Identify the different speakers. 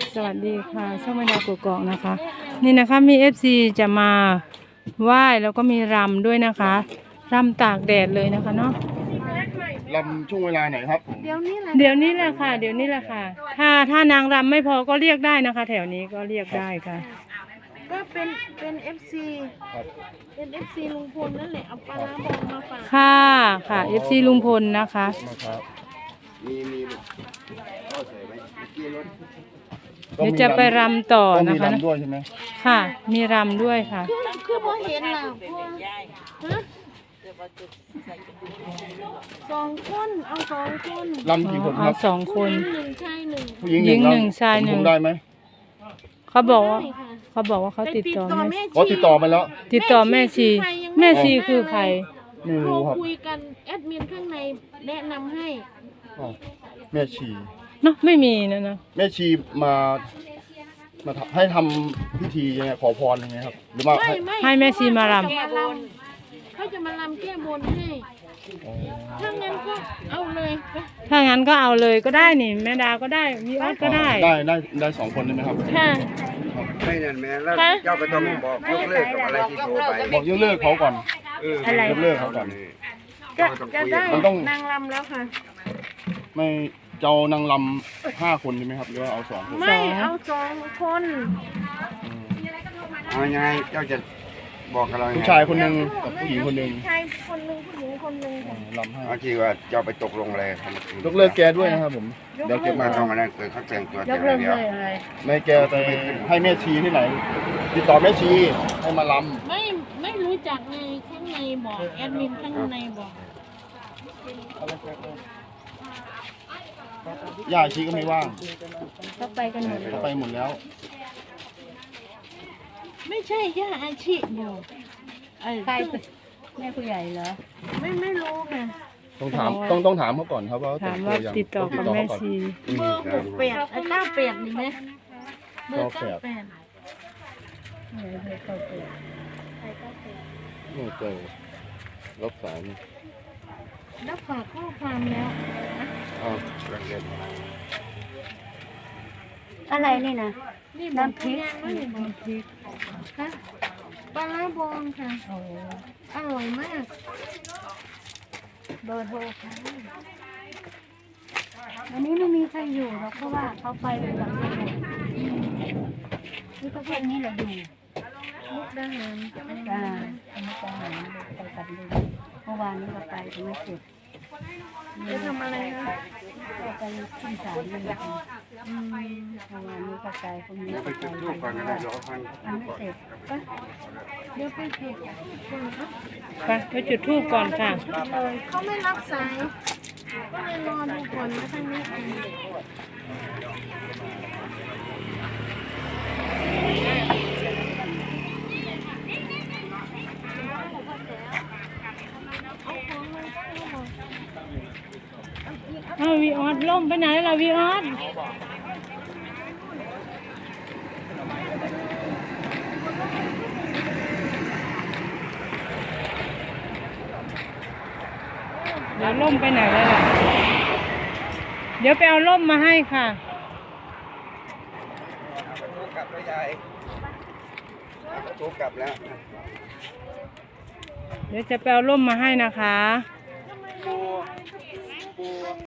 Speaker 1: สวัสดีค่ะช่องแม่ดาวกกอกนะคะนี่นะคะมีFCจะมาไหว้แล้วก็มีรำด้วยนะคะรำตากแดดเลยนะคะเนาะ
Speaker 2: ลำช่วงเวลาไหนครับผม
Speaker 1: เดี๋ยวนี้แหละค่ะเดี๋ยวนี้แหละค่ะถ้านางรำไม่พอก็เรียกได้นะคะ แถวนี้ก็เรียกได้ค่ะ
Speaker 3: ก็เป็น FC
Speaker 2: ครับ
Speaker 3: เป็น FC ลุงพลนั่นแหละเอาปลาร้าบองมาฝาก
Speaker 1: ค่ะ FC ลุงพลนะคะ
Speaker 2: มาครับมี
Speaker 1: เดี๋ยวจะไปรำต่อ
Speaker 2: ต้อง
Speaker 1: นะ
Speaker 2: มี
Speaker 1: คะ
Speaker 2: ลำด้วยใช่ไหม
Speaker 1: ค่ะ มีรำด้วยค่ะ
Speaker 3: คือพอเห็นล่ะพอฮะสองคนเอาสองคน
Speaker 2: ลำกี่คนค
Speaker 1: เอา
Speaker 2: รับ
Speaker 1: 2 คน
Speaker 3: หญิงหนึ่งชายหนึ่ง
Speaker 2: ผู้หญิง
Speaker 1: หญิง
Speaker 2: ลำ
Speaker 1: หนึ่งชายหนึ่ง
Speaker 2: ผมได้ไหม
Speaker 1: เขาบอกว่า
Speaker 3: ได้ค่ะ
Speaker 1: เขาติดต่อแม่
Speaker 3: แม่
Speaker 2: อ๋อติดต่อไปแล้ว
Speaker 1: ติดต่อแม่ชีแม่ชีคือใคร
Speaker 2: ไม่
Speaker 3: โทร
Speaker 2: รู้ครับ
Speaker 3: คุยกันแอดมินข้างในแนะนำให้
Speaker 2: อ๋อแม่ชี
Speaker 1: เนาะไม่มีนะ
Speaker 2: แม่ชีมาให้ทำพิธียังไงขอพรยังไงครับหรือว่าให้
Speaker 1: ให้แม่ชีมารำ
Speaker 3: เขาจะมาลำแก้บนให้
Speaker 2: อ๋อ
Speaker 3: ถ้างั้นก็เอาเลยไป
Speaker 1: ถ้างั้นก็เอาเลยก็ได้นี่แม่ดาก็ได้วีออสก็ได้
Speaker 2: ได้สองคนได้ไหมครับ
Speaker 3: ค่ะ
Speaker 4: ไม่นั่นแม่แล้วเจ้าก็ต้องบอกยกเลิกกับอะไรที่โทรไป
Speaker 2: บอกยกเลิกเขาก่อน
Speaker 1: อะไร
Speaker 2: ยกเลิกเขาก่อน
Speaker 3: จะได้
Speaker 2: มันต้อง
Speaker 3: นางลำแล้วค่ะ
Speaker 2: ไม่เจ้านางลำ5 คนใช่ไหมครับหรือว่าเอา2 คน
Speaker 3: ไม่เอาสองคน
Speaker 4: เอายังไงเจ้าจะบอกกับเรายัง
Speaker 2: ผู้
Speaker 4: ไง
Speaker 2: ชายคนหนึ่งกับผู้หญิงคนหนึ่ง
Speaker 3: ชายคนหนึ่งผู้หญิงคนหนึ่งค่ะ
Speaker 2: ลำห้า
Speaker 4: เอาที่ว่าเจ้าไปตกลงอะไรกัน
Speaker 2: ยกเลิกแกด้วยนะครับผมเดี๋ยวเก็บ
Speaker 4: มา
Speaker 2: มา
Speaker 4: ต้องมานั่นเกิดเขาแต่งตัว
Speaker 1: ย
Speaker 4: แต่
Speaker 1: กเลิก
Speaker 4: เดี
Speaker 1: เล
Speaker 4: ยวย
Speaker 1: อะไร
Speaker 2: ในแกไปให้แม่ชีที่ไหน ติดต่อแม่ชีให้มาล
Speaker 3: ไม่รู้จักในข้างในบอกแอดมินข้างในบอก
Speaker 2: ำย่าชีก็ไม่ว่าง
Speaker 1: ก็ไปกันหมด
Speaker 2: เขาไปหมดแล้ว
Speaker 3: ไม่ใช่ย่าอาชีพบอก
Speaker 1: ใครแม่ผู้ใหญ่เหรอ
Speaker 3: ไม่รู้ค่ะ
Speaker 2: ต้องถามต้องถามเขาก่อนครับว่า
Speaker 1: ถามว่าติดต่อกับแม่ชี
Speaker 3: เบอร์68 98นี่ไหมเบอร์98
Speaker 2: ไม่เจอรับสายนี่
Speaker 3: รับฝากข้อความแล้ว
Speaker 2: อ้าว
Speaker 1: อะไรนี่นะ
Speaker 3: นี่น้ำพริกน้ำพริกค่ะปลาร้าบองค่ะอร่อยมาก
Speaker 1: เบอร์โทรค่ะวันนี้ไม่มีใครอยู่หรอกเพราะว่าเขาไปหลังสมุดนี่ก็พวกนี้แหละอยู่
Speaker 3: มุกดาหาร
Speaker 1: จ้าไม่ไปหาไปกันดูเมื่อวานนี้ก็ไปแต่ไม่เสร็จ
Speaker 3: จะทำอะไรคะ
Speaker 1: ก็ไปขึ้นศาลนี่แหละเมื่อวานนี้ก็ไปพรุ่งนี้
Speaker 4: ไป
Speaker 1: ก็
Speaker 4: จุด
Speaker 1: ไป
Speaker 4: รูปก่อนก็ได้รอพัน
Speaker 1: ยังไม่เสร็จ
Speaker 3: เดี๋ยวไปจุดก่อนค่ะ
Speaker 1: ไปจุดธูปก่อนค่ะ
Speaker 3: เลยเขาไม่รับสาย ก็เลยรอดูก่อนนะท่านนี้
Speaker 1: เอาวีออสล่มไปไหนล่ะวีออสเดี๋ยวล่มไปไหนแล้วล่ะเดี๋ยวไปเอาล่มมาให้ค่ะ
Speaker 4: กลับแล้วยายโทรกลับแล้ว
Speaker 1: เดี๋ยวจะไปเอาล่มมาให้นะคะ